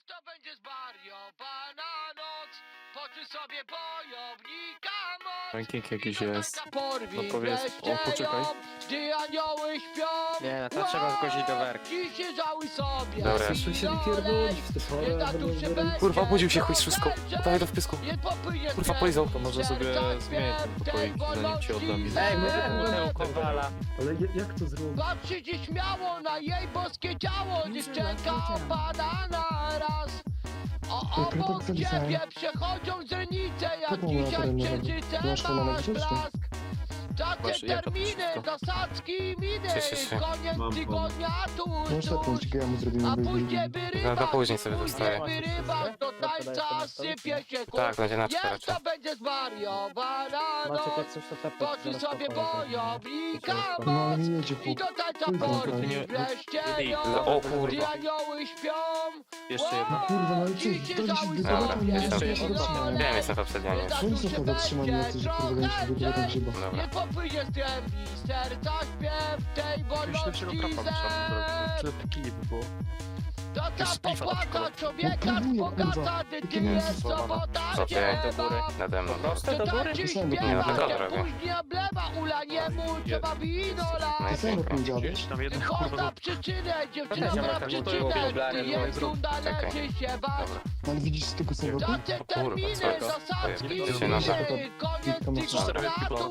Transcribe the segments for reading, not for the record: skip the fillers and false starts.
to będzie zwariowana noc, poczuj sobie bojownika moc. Ranking jakiś jest. No powiedz, o, poczekaj. Gdy anioły śpią. Nie, no to trzeba zgłosić do werki. Dziś się żałuj sobie. Dobra. Słyszę się wypierdolić w te pole. Kurwa, obudził się chuj z wszystko. Dawaj do wpysku. Kurwa, polizał. To może sobie zmienić ten pokoik, zanim ci oddam. Ej, my kowala. Ale jak to zrobić? Patrzy dziś śmiało na jej boskie ciało, dziewczynka opada na raz. Obok ciebie przechodzą źrenice, jak dzisiaj księżycem masz blask. Czasy, terminy, zasadzki, miny, koniec tygodnia tuż, a później wyrywa, No później sobie dostaję. wyrywa, do tańca sypie się kurs. Tak, będzie na 4 Jest to będzie zwariowana Macie noc, jak coś to tapet. poczuj sobie bojownika No ale moc. nie jedzie I do tańca porwi wreszcie ją, O gdy kurwa. anioły śpią. Jeszcze jedno. Kurwa, no ale co? Dziś się Dali się żałuj wyzwać, Dobra, nie jestem. jesteś zatrzymany. Wiem, jestem w obsydianie już. Czemu są to zatrzymani jacyś, że kurwa nie się wygląda tak grzyba? Dobra. Nie popłynie z głębi serca śpiew tej wolności zer. To ta popłata człowieka zbogata, gdy ty jest sobota Co ty? nie ma. Nade mną. Proste do góry? Dziś Nie, no śpiewa, tego jak drogę. później oblewa, ula mu trzeba wino No lać. i Ty sam pięknie. powiedziałeś? Chodź na przyczynę, dziewczyna Dobra, na tak, przyczynę, bo to gdy jest runda, Czekaj. leży się bać. Dobra. Ale widzisz z tego samego? Czasy, kurwa, terminy, co to? zasadzki, Dziewczyna, miny, koniec tygodnia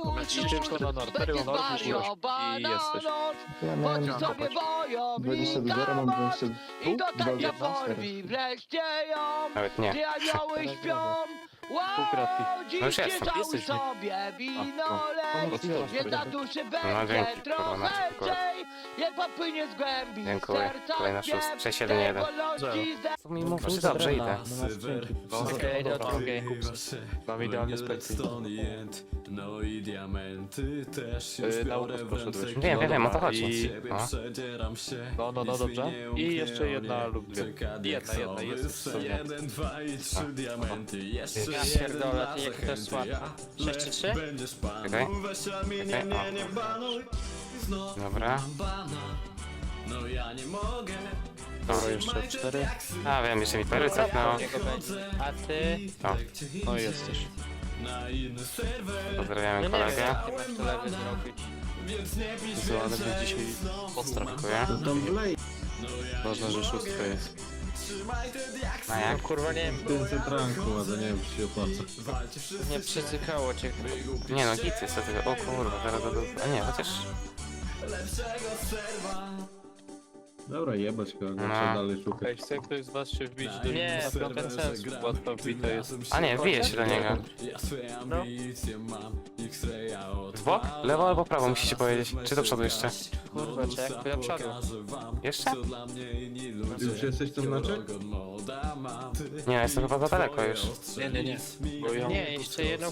I jesteś. Ja miałem Chodź sobie 22, bojownika mam moc 22. i do tańca 22 porwi wreszcie ją. Nawet nie. Gdy anioły śpią, Półkratki. No już dziś jestem. żałuj Jesteś, nie? sobie wino no, leć, no, więc na duszy No, będzie dzięki, kurwa, trochę Maciek, kurwa. lżej, nie popłynie z głębi Dziękuję. serca Kolejna śpiew 6-7-1. tej wolności zer. Co mi mówisz? Dobrze, idę. Okej, do drugiej. Mam idealny spektakl. No i diamenty też się Na ukos poszedłeś. Wiem, o to chodzi. No. No, dobrze. I jeszcze jedna lub dwie. Jedna, jest sobie. 1, 2 i 3 diamenty. Jeszcze Ja pierdolę, ty jak to jest łatwe. 6 czy 3? będziesz pan. Czekaj. Weź mi nie, Czekaj, nie, nie banuj. Znowu Dobra. mam bana. No ja nie mogę. Dobra, jeszcze 4. A wiem, jeszcze mi pery cofnęło. Jego będzie. A ty? O, No jesteś. Na inny serwer. pozdrawiamy No nie wiem, kolegę. jak ty masz to lewy zrobić. Więc nie pisz Co, ale więcej. my dzisiaj podstrach. Dziękuję. Ważne, że szóstka jest. Trzymaj te diaksy. No jak? Kurwa nie wiem, 500 ranku, ale nie wiem czy się opłaca. Walcie wszyscy. nie przycykało cię. Nie no, git jest to tylko. O kurwa, zaraz do... A nie, chociaż... Lepszego serwa. Dobra, jebać go, No. trzeba dalej szukać. Ej, chce ktoś z was się wbić do Nie, na to bez sensu. Łatwo wbita jest. A nie, wbije się do niego. Ja swoje ambicje mam. X-raya od W bok? Lewo albo prawo musicie powiedzieć. Czy do przodu jeszcze? Kurwa, czek, to ja przodu. Jeszcze? Ty już jesteś tam na czek? Nie, jestem chyba za daleko już. Nie. Bo ja Nie, jeszcze jedną.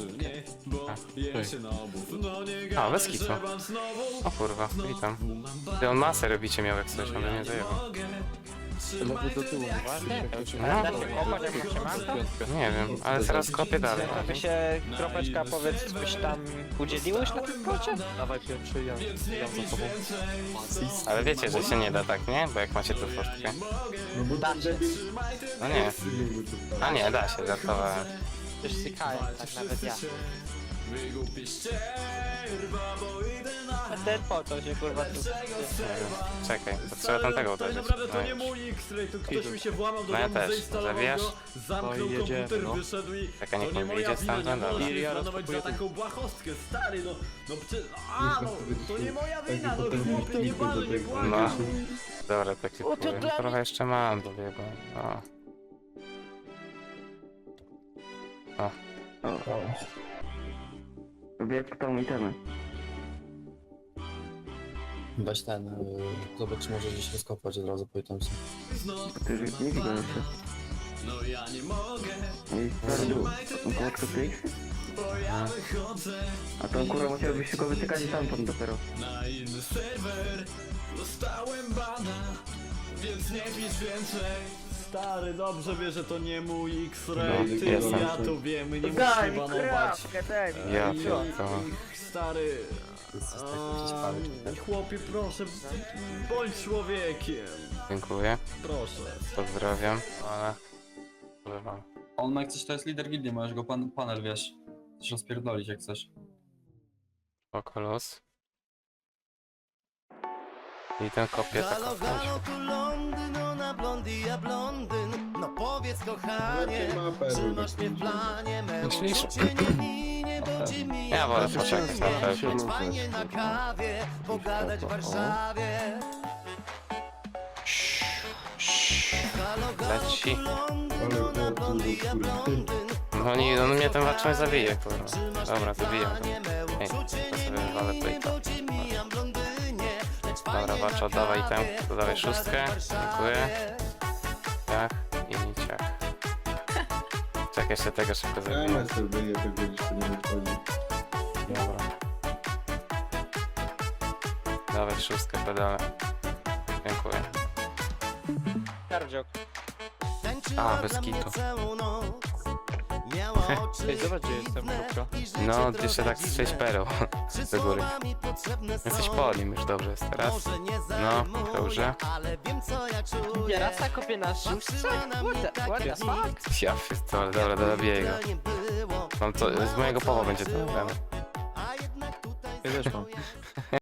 A, bez kitu. O kurwa, witam. Ty on masę robicie miał jak coś, on by mnie zajebał. lewy do tyłu. No, Da się kopać, jak się manko? nie wiem, ale teraz kopię dalej. To by się, kropeczka, powiedz, byś tam udzieliłeś na tym kocie? Dawaj pierwszy, ja za tobą. Ale wiecie, że się nie da tak, nie? Bo jak macie tu furtkę. No bo Da się. No nie. A nie, da się, żartowałem. Już sykałem, tak nawet ja. A ten po co się kurwa tu... Czekaj, to trzeba tamtego uderzyć. Naprawdę to No nie już. mój X-ray, to ktoś mi się włamał do No ja domu, też. zainstalował Zawijasz? go, zamknął No i jedziemy, komputer, no. wyszedł i Czekaj, niech to nie on moja wyjdzie wina, nie stamtąd, mogę dobra. się planować za taką błahostkę, stary, no przecież, to nie moja wina, no potem chłopie, nie wstępny ważę, do nie tego. błagam. No. Dobra, tak się O, to powiem. dla Trochę jeszcze mam do biegu. O. Wiesz, kto mi temy. Weź ten, zobacz, czy może gdzieś rozkopać od razu, powitam sobie. Ty już nie widzę jeszcze. No ja nie mogę, I stary, około 100 tych. bo ja wychodzę A tą kurwa musiałbyś się go wytykać i stamtąd dopiero. na inny serwer. Dostałem bana, więc nie pisz więcej. Stary, dobrze wie, że to nie mój X-ray, No, ty, jestem. ja to wiemy, nie musisz banować. Ja I- pierdolę. Stary, chłopie, proszę, bądź człowiekiem. Dziękuję, Proszę. pozdrawiam. Ale mam. On ma jak coś, to jest lider gildii, możesz go panel, wiesz. Chcesz rozpierdolić jak chcesz. Spoko, luz. I ten kopie tak kopnąć. No powiedz Jakie ma perły? Myślisz? Ja wolę poczekać na pewno. fajnie na kawie, pogadać w Warszawie. Leci. Ale o kurwa, No nie, on mnie ten waczon zabije, kurwa. Dobra, zabijam go. Ej, to sobie wywalę plejta. Dobra, waczo, oddawaj ten, dodawaj szóstkę. Dziękuję. Ciach i ciach. Czekaj, jeszcze tego szybko zabiję. ja sobie wyje, to gdzieś to nie wychodzi. Dobra. Dawaj szóstkę, pedale. Dziękuję. Kardziok. A, bez kitu. Ej, zobacz gdzie jestem, kropka. No, jeszcze tak z 6 pereł do góry. Jesteś po nim już dobrze jest teraz. No, dobrze. Rasa kopie na szóstce? What the fuck? Ja pierdolę, dobra, dobiję go. Mam to, z mojego powa będzie to. Ja też mam.